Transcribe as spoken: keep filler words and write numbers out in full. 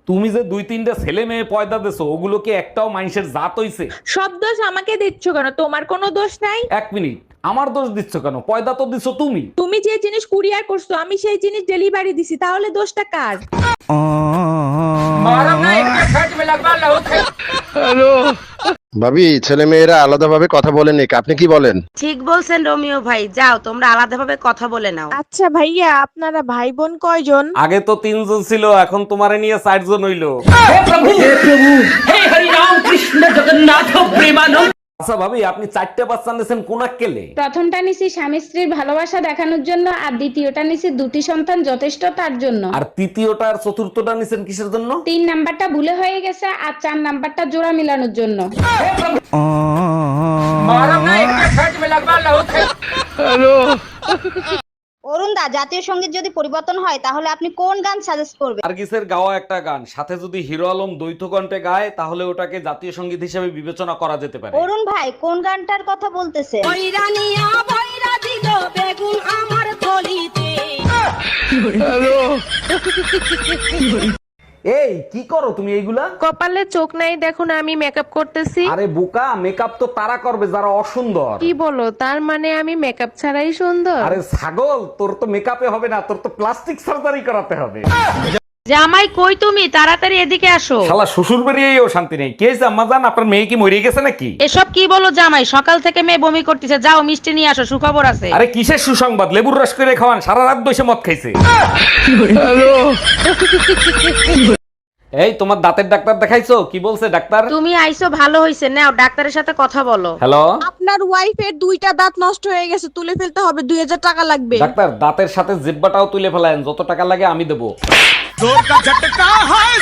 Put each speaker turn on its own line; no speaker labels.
তুমি যে দুই তিনটা ছেলে মেয়ে পয়দা দেছো ওগুলো কি একটাও মানুষের জাত হইছে?
সব দোষ আমাকে দিচ্ছ কেন? তোমার কোনো দোষ নাই।
এক মিনিট, আমার দোষ দিচ্ছ কেন? পয়দা তো দিছো তুমি।
তুমি যে জিনিস কুরিয়ার করছো আমি সেই জিনিস ডেলিভারি দিছি, তাহলে দোষটা কার?
ভাবি, ছেলে মেয়েরা আলাদাভাবে কথা বলে নিক, আপনি কি বলেন?
ঠিক বলছেন রোমিও ভাই, যাও তোমরা আলাদাভাবে কথা বলে নাও।
আচ্ছা ভাইয়া, আপনারা ভাই বোন কয়জন?
আগে তো তিনজন ছিল, এখন তোমারে নিয়ে চারজন হইলো। আচ্ছা ভাবি, আপনি চারটে বাচ্চা নিয়েছেন কোন কেলে?
প্রথমটা নিছি স্বামী স্ত্রীর ভালোবাসা দেখানোর জন্য, আর দ্বিতীয়টা নিছি দুটি সন্তান যথেষ্ট তার জন্য,
আর তৃতীয়টা আর চতুর্থটা নিছেন কিসের জন্য?
তিন নাম্বারটা ভুলে হয়ে গেছে, আর চার নাম্বারটা জোড়া মিলানোর জন্য।
অরুণ দা, জাতীয় সঙ্গীত যদি পরিবর্তন হয় তাহলে আপনি কোন গান সাজেস্ট করবেন?
নার্গিসের গাওয়া একটা গান, সাথে যদি হিরো আলম দ্বৈত কণ্ঠে গায় তাহলে ওটাকে জাতীয় সঙ্গীত হিসেবে বিবেচনা করা যেতে পারে।
অরুণ ভাই, কোন গানটার কথা বলতেছে?
এই কি করো তুমি এইগুলা?
কপালে চোখ নাই দেখো না, আমি মেকআপ করতেছি।
আরে বোকা, মেকআপ তো তারা করবে যারা অসুন্দর।
কি বলো? তার মানে আমি মেকআপ ছাড়াই সুন্দর?
আরে ছাগল, তোর তো মেকআপে হবে না, তোর তো প্লাস্টিক সার্জারি করাতে হবে।
জামাই কই তুমি? তাড়াতাড়ি এদিকে আসো।
শালা শ্বশুর বাড়িয়েও শান্তি নেই। কে আম্মা জান, আপনার মেয়ে কি মরে গেছে নাকি?
এসব কি বলো জামাই? সকাল থেকে মেয়ে বমি করতেছে, যাও মিষ্টি নিয়ে আসো, সুখবর আছে।
আরে কিসের সুসংবাদ? লেবুর রস করে খাওয়ান, সারা রাত বসে মদ খাইছে। এই তোমার দাঁতের ডাক্তার দেখাইছো? কি বলছে ডাক্তার?
তুমি আইছো ভালো হইছে, নাও ডাক্তারের সাথে কথা বলো।
হ্যালো
আপনার ওয়াইফের দুইটা দাঁত নষ্ট হয়ে গেছে, তুলে ফেলতে হবে, দুই হাজার টাকা লাগবে।
ডাক্তার, দাঁতের সাথে জিব্বাটাও তুলে ফেলায়েন, যত টাকা লাগে আমি দেবো।